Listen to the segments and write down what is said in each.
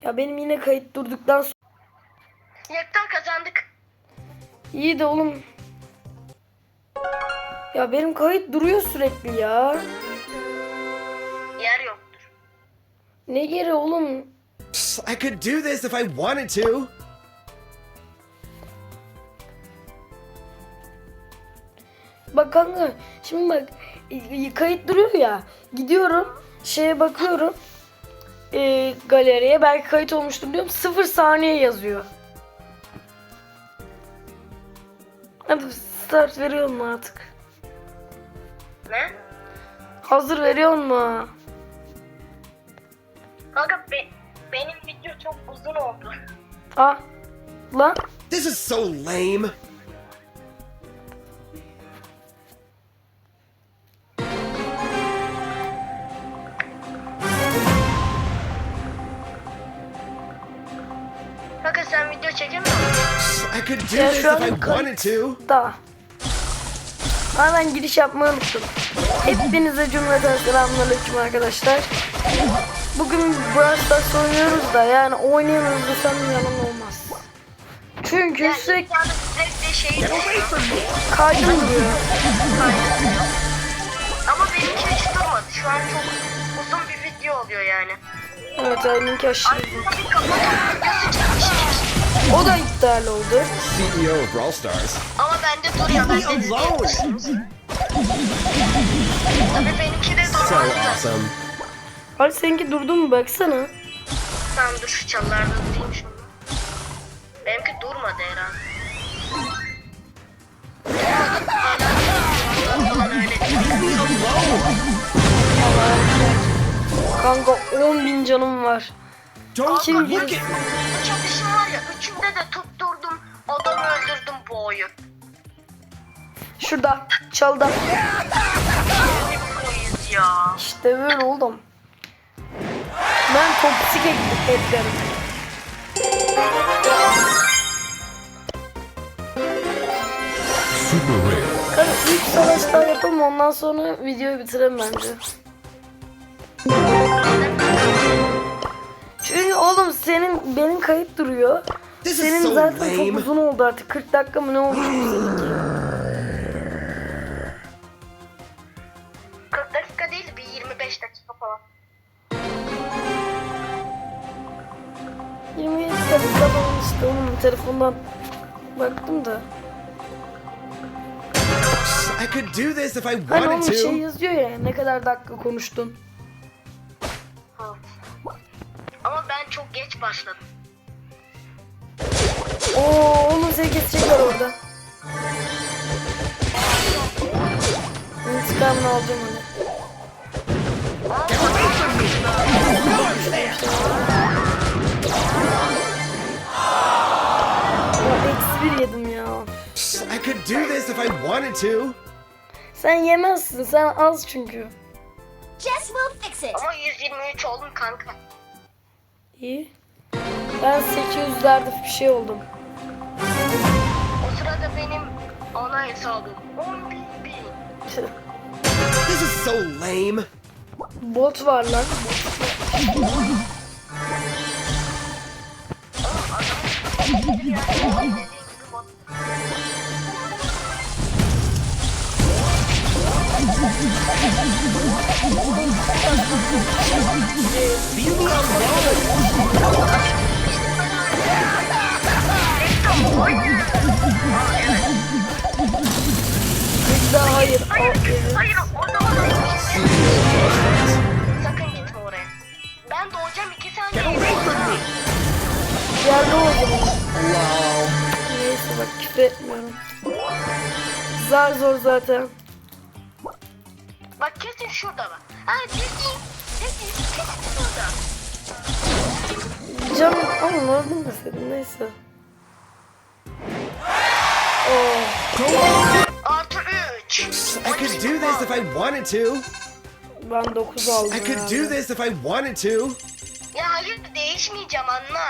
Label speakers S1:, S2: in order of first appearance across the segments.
S1: Ya benim yine kayıt durduktan sonra.
S2: Yekten kazandık.
S1: İyi de oğlum. Ya benim kayıt duruyor sürekli ya.
S2: Yer yoktur.
S1: Ne geri oğlum?
S3: I could do this if I wanted to.
S1: Bak kanka şimdi bak kayıt duruyor ya. Gidiyorum şeye bakıyorum. Galeriye belki kayıt olmuştur diyorum. 0 saniye yazıyor. Hadi start veriyor mu artık?
S2: Ne?
S1: Hazır veriyor mu?
S2: Kanka benim video çok uzun oldu.
S1: Ah lan.
S3: This is so lame.
S2: Kanka sen video çekemiyor musun?
S3: I could do
S1: Ya
S3: this
S1: şu
S3: if I
S1: an
S3: wanted to.
S1: da. Ha ben giriş yapmayı unuttum. Hepinize cümleten selamünaleyküm arkadaşlar. Bugün Brawl Stars oynuyoruz da yani oynayamıyoruz desem yalan olmaz. Çünkü sürekli
S2: Yani sürekli şey
S1: kaydım duruyor.
S2: Ama benimki hiç durmadı. Şu an çok uzun bir video oluyor yani.
S1: Evet ayınınki aşırı.
S2: Aslında bir kapatalım videosu çekmiştik.
S1: O da iptal oldu.
S3: CEO of Brawl Stars.
S2: Ama bende duruyor. Ben de izleyebilirsiniz. Tabii benimki de
S3: So
S2: durmadı.
S3: awesome.
S1: Hadi seninki durdu mu baksana.
S2: Tamam dur şu çalılarda tutayım şunu. Benimki durmadı herhalde. Falan öyle.
S1: Kanka 10.000 canım var.
S3: Don't
S1: Kim
S3: look
S1: bilir?
S3: at me.
S2: Bu çatışım var ya, üçünde de tutturdum. Adamı öldürdüm bu oyun.
S1: Şurada çalda.
S2: Ne proyuz ya.
S1: İşte böyle oldum. Ben toksik eklerim. Hadi ilk savaşlar yapalım ondan sonra videoyu bitirelim bence. Çünkü oğlum benim kayıt duruyor.
S3: This is
S1: Senin
S3: so
S1: zaten çok
S3: lame.
S1: uzun oldu artık 40 dakika mı ne olmuş seninki?
S2: 40 dakika değil, bir 25 dakika falan.
S1: 27 dakika falan işte onun telefondan baktım da.
S3: I could do this if I
S1: Hani onun
S3: wanted
S1: şey
S3: to.
S1: yazıyor ya ne kadar dakika konuştun.
S2: Ama ben çok geç başladım.
S1: Oo oğlum seni kesecekler orada. İntikamını alacağım onu. Ya eksi 1 yedim ya.
S3: I could do this if I wanted to.
S1: Sen yemezsin sen az çünkü.
S4: Jess will fix it.
S2: Ama 123 oldum kanka.
S1: İyi. Ben 800'lerde bir şey oldum.
S2: O sırada benim ana hesabım 10.000.
S3: This is so lame.
S1: Bot var lan.
S3: Leave me alone.
S1: Bir daha hayır.
S2: Hayır, orada sakın gitme oraya. Ben doğacağım 2 saniye.
S1: Yerde oldum.
S3: Wow.
S1: Neyse bak küfür etmiyorum. Zar zor zaten.
S2: Bak kesin şurada bak. Ha kesin şurada.
S1: Canım ama oradan deseydin neyse. Oh.
S2: Artı 3.
S3: I could do this if I wanted to.
S1: Ben 9 aldım
S3: I could
S1: yani.
S3: do this if I wanted to.
S2: Ya hayır değişmeyeceğim anla.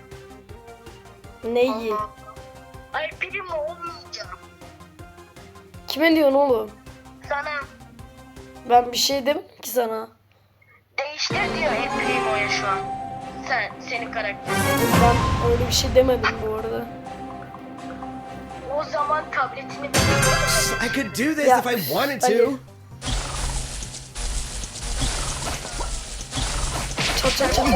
S1: Neyi?
S2: Ay primo olmayacağım.
S1: Kime diyorsun oğlum?
S2: Sana
S1: Ben bir şey demedim ki sana.
S2: değiştir diyor El Primo'ya şu an. senin karakter.
S1: Ben öyle bir şey demedim bu arada.
S2: O zaman tabletini
S3: I could do this
S1: Ya,
S3: if I wanted
S1: hadi.
S3: to.
S1: Çat çat çat.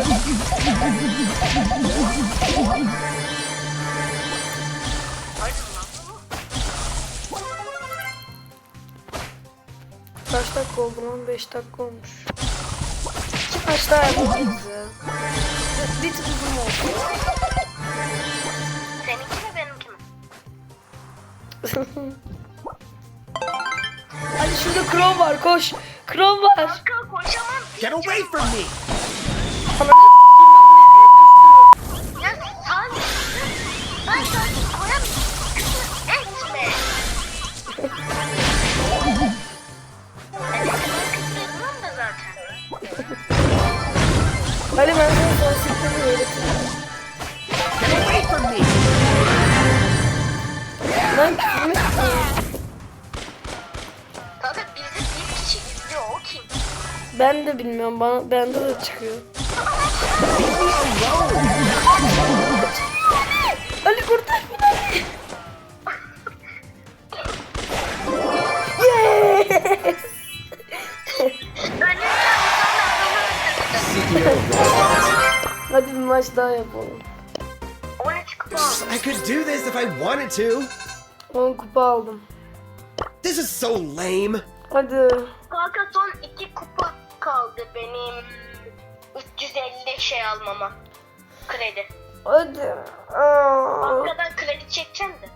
S1: Kaç dakika oldu lan? 5 dakika olmuş. Kaç daha yapacağız ya? Bir tık uzun oldu.
S2: Seninki mi benimki mi?
S1: Hadi şurada Chrome var, koş. Chrome var.
S2: Kanka koşamam.
S3: Get away from me!
S2: Ya sen... Ben sana koyamıyorum. Küfür etme. Evet, ben küfür etmem de zaten.
S1: Hadi ben sana son sistemi öğreteyim.
S3: Get away from me!
S1: Lan küfür etmiyor.
S2: Kanka bizi bir kişi izliyor, o kim?
S1: Ben de bilmiyorum, bende de çıkıyor. Ali kurtar beni. Yes!
S3: CEO of Rollstars.
S1: Hadi bir maç daha yapalım.
S2: 13 kupa.
S3: I could do this if I wanted to.
S1: 10 kupa aldım.
S3: This is so lame.
S1: Hadi.
S2: Kanka son 2 kupa kaldı benim 350 şey almama. Kredi.
S1: Hadi. Aa.
S2: Bankadan kredi çekeceğim de.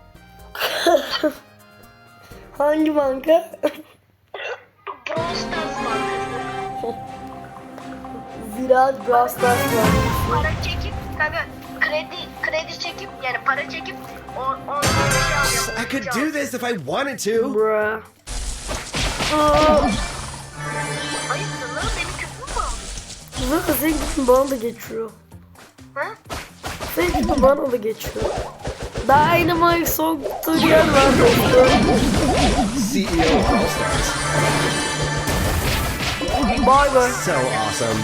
S1: Hangi banka?
S2: Brawl Stars bankası.
S1: Ziraat Brawl Stars var.
S2: Para çekip kanka kredi çekip yani para çekip ondan şey alıyorum.
S3: I could do this if I wanted to.
S1: Bruh. Aa.
S2: Hayırsın lan benim küfür mü aldın?
S1: Zaten senin gittin bana da geçiyor.
S2: Ha?
S1: Senin gittin bana da geçiyor. Dynamite son tutorial var dostum.
S3: CEO of Rollstars.
S1: Bye bye.
S3: So awesome.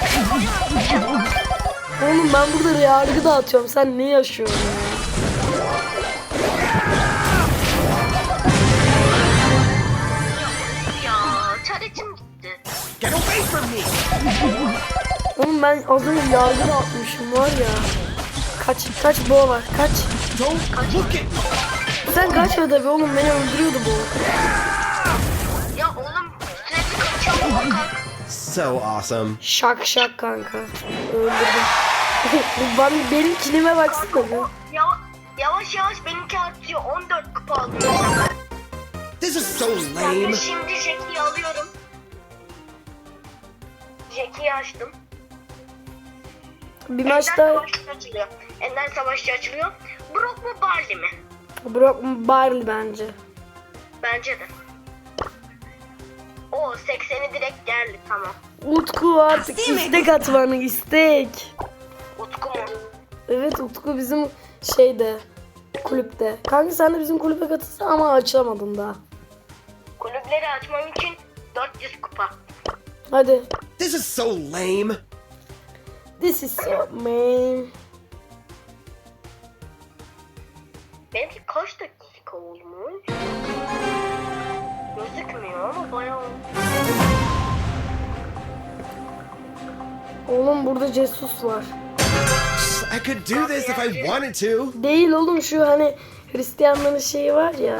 S1: Oğlum ben burada yargı dağıtıyorum. Sen ne yaşıyorsun ya?
S2: Ya çaretim gitti.
S3: Get away from me!
S1: Oğlum ben az önce yargı dağıtmışım var ya. Kaç boğa var kaç.
S3: Don't look at me!
S1: Sen kaçma tabii oğlum, beni öldürüyordu bu.
S2: Ya oğlum sürekli kaçıyorum kanka.
S3: So awesome.
S1: Şak şak kanka. Öldürdüm. Benim kilime baksana bir.
S2: Yavaş yavaş benimki artıyor. 14 kupa aldım.
S3: This is so
S2: Ben
S3: lame.
S2: de şimdi Jackie'yi alıyorum. Jackie'yi açtım.
S1: Bir
S2: Ender
S1: maçta
S2: Savaşçı açılıyor. Ender Savaşçı açılıyor. Brock mu Barley mi?
S1: Brock Barley bence.
S2: Bence de. O 80'i direkt geldi tamam.
S1: Utku artık istek atmanı istek.
S2: Utku mu?
S1: Evet Utku bizim şeyde kulüpte. Kanka sen de bizim kulübe katılsana ama açamadın daha.
S2: Kulüpleri açmam için 400 kupa.
S1: Hadi.
S3: This is so lame.
S1: This is so man.
S2: Benimki kaç dakika olmuş? Gözükmüyor ama bayağı olmuş.
S1: Oğlum burada Jesus var.
S3: I could do this if I wanted to.
S1: Değil oğlum, şu hani Hristiyanların şeyi var ya.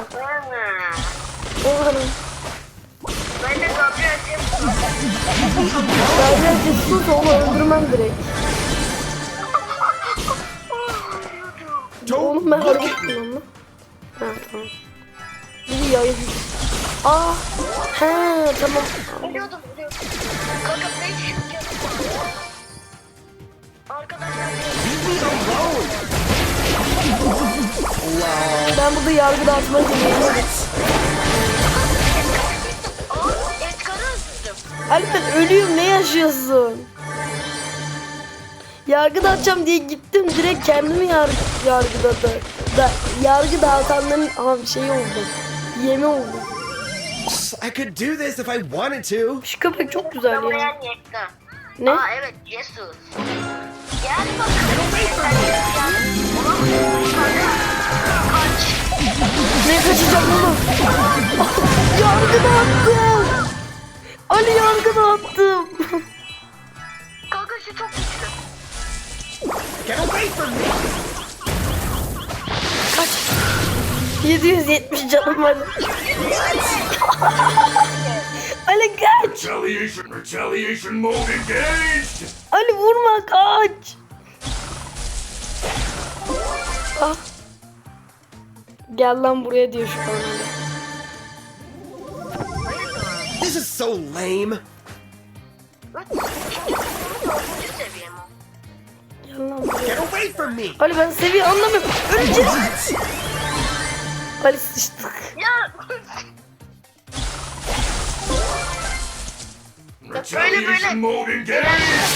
S1: O hani.
S2: Ben de Gabriel Jesus.
S1: Gabriel Jesus onu öldürmem direkt. Oğlum ben
S3: Don't look
S1: hareket
S3: at me.
S1: ettim onu. Ha tamam. Biri yayın. Aa. He tamam.
S2: Biliyordum. Kanka 500 kez. Arkadaşlar
S3: Leave me alone. Lol.
S1: Ben burada yargı dağıtmaya gidiyorum.
S2: Edgar'ı öldürdüm.
S1: Ali ben ölüyorum, ne yaşıyorsun? Yargı dağıtacağım diye gittim, direkt kendimi yargıladı. Yargı dağıtanların şeyi oldu. Yemi oldu.
S3: I could do this if I wanted to.
S1: Şu köpek çok güzel ya.
S2: Yamayan Yekta.
S1: Ne?
S2: Aa evet Jesus. Gel bakalım. Kaç.
S1: Ne kaçacağım oğlum? Yargını attım. Ali yargını attım.
S2: Kanka şu çok güçlü.
S3: Get away from me!
S1: Kaç. 770 canım var. Ali kaç.
S5: Retaliation mode engaged!
S1: Ali vurma kaç. Ah. Gel lan buraya diyor şu an Ali.
S3: This is so lame.
S2: Dördüncü seviye mi?
S1: Gel lan buraya.
S3: Get away from me!
S1: Ali ben seviye anlamıyorum. Öleceğiz. Ali sıçtık.
S2: Ya.
S5: Retaliation mode engaged!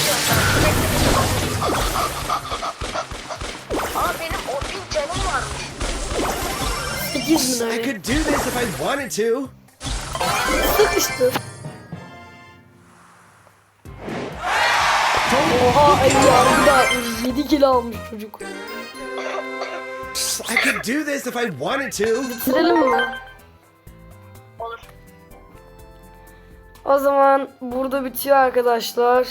S2: Aa benim 10.000 canım varmış.
S1: 8 bin
S3: I
S1: Ali.
S3: could do this if I wanted to.
S1: Sıkıştı. Oha Ali yargı da atmış. 7 kilo almış çocuk.
S3: I could do this if I wanted to.
S1: Bitirelim mi?
S2: Olur.
S1: O zaman burada bitiyor arkadaşlar.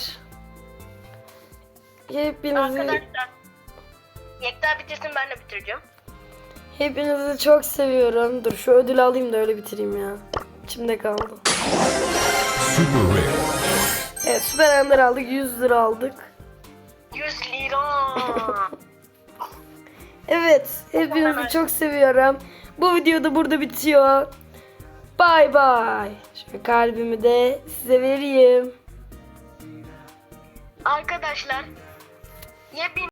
S1: Hepinizi
S2: Arkadaşlar. Yekta bitirsin ben de bitireceğim.
S1: hepinizi çok seviyorum. Dur şu ödülü alayım da öyle bitireyim ya. İçimde kaldı.
S5: Super rare.
S1: Evet Süper Ender aldık. 100 lira aldık.
S2: 100 lira.
S1: Evet hepinizi çok seviyorum. Bu video da burada bitiyor. Bye bye. Şöyle kalbimi de size vereyim.
S2: Arkadaşlar. Yepyeni